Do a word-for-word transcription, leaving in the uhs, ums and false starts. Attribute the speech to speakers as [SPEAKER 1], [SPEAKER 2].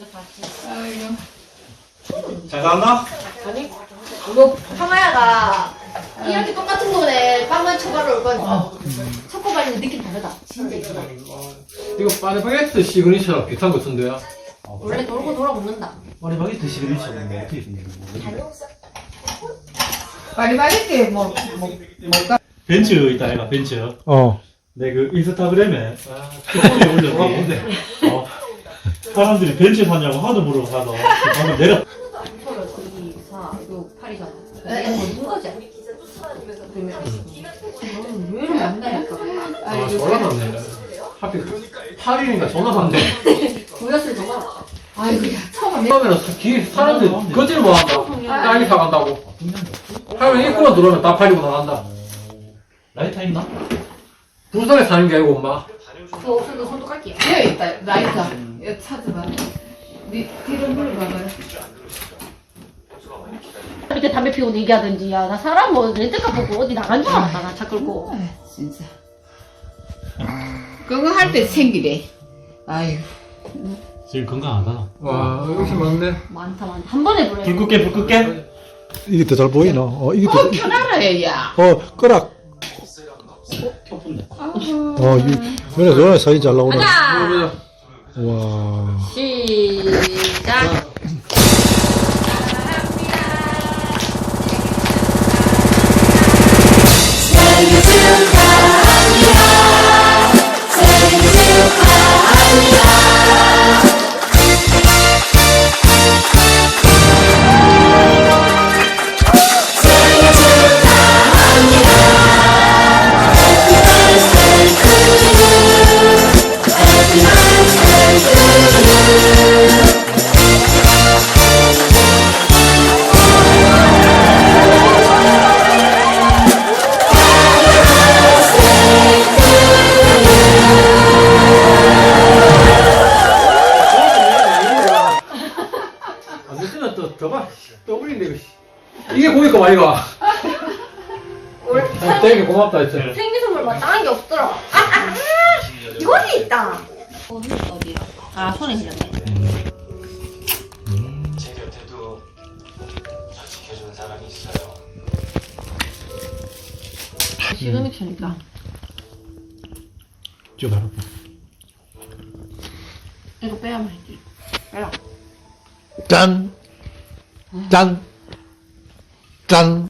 [SPEAKER 1] 아이고.
[SPEAKER 2] 잘 살았나?
[SPEAKER 3] 아니, 이거 황하야가 이렇게 똑같은 노래 빵만 쳐바로 올 거니까 초코바리는 느낌 다르다. 진짜 이쁘다.
[SPEAKER 4] 이거 파리바게뜨 시그니처랑 비슷한 거 같은데요?
[SPEAKER 3] 원래 돌고 돌아 먹는다.
[SPEAKER 2] 파리바게뜨 시그니처 뭐 어떻게 생겼는 거야?
[SPEAKER 1] 파리바게뜨 뭐, 뭐, 뭐가?
[SPEAKER 2] 벤츠 있다 해가 벤츠.
[SPEAKER 4] 어.
[SPEAKER 2] 내 그 인스타그램에 스토리에 올렸지. 어. 사람들이 벤츠 사냐고 하도 물어봐서 방금 내가
[SPEAKER 3] 서로 이, 사, 육, 팔이잖아. 이게 뭔 거지? 그러면 왜 이렇게 만나니까?
[SPEAKER 4] 아, 전화 왔네. 하필 팔 일인가 전화 왔네.
[SPEAKER 3] 보였을 정말. 아이고, 야, 처음에
[SPEAKER 4] 처음에는 기 사람들이 거짓을 못 한다. 딸기 사간다고. 하면 입구만 들어오면 다 팔리고 나간다.
[SPEAKER 2] 라이터 있나?
[SPEAKER 4] 부산에 사는 게 아니고 엄마.
[SPEAKER 3] 그거 없어도 손도 깔게요.
[SPEAKER 1] 여기 있다, 라이터. 이거 찾아봐. 니, 뒤로 물어봐봐.
[SPEAKER 3] 이렇게 담배 피우고 얘기하든지, 야, 나 사람 뭐 렌트카 보고 어디 나간 줄 알았다, 나 차 끌고.
[SPEAKER 1] 아, 진짜. 그거 할 때 생기래. 아이고.
[SPEAKER 2] 지금 건강하다.
[SPEAKER 4] 와, 역시 많네.
[SPEAKER 3] 많다, 많다. 한 번에 불러.
[SPEAKER 2] 불 끄게 불 끄게.
[SPEAKER 5] 이게 더 잘 보이나? 어, 이게 더,
[SPEAKER 1] 어, 켜놔라, 야.
[SPEAKER 5] 어, 끄락.
[SPEAKER 2] 켜푼데.
[SPEAKER 5] 어, 이, 연애, 연애 사진 잘 나오네.
[SPEAKER 3] 가자!
[SPEAKER 5] 와.
[SPEAKER 3] 시작!
[SPEAKER 4] 안 됐으면 또, 저봐. 또 올린데, 이거. 씨. 이게 보니까 많이가. 아, 되게 고맙다, 했지.
[SPEAKER 3] 생일 선물 마땅한 게 없더라. 아, 아, 아! 이거는 있다. 어디, 어디야? 아, 손에 흘렸네.
[SPEAKER 6] 제 곁에도 저 지켜주는 사람이 있어요.
[SPEAKER 3] 시그니처니까.
[SPEAKER 5] 저 바로.
[SPEAKER 3] 이거 빼야만 해. 빼라.
[SPEAKER 5] 짠! 짠! 짠!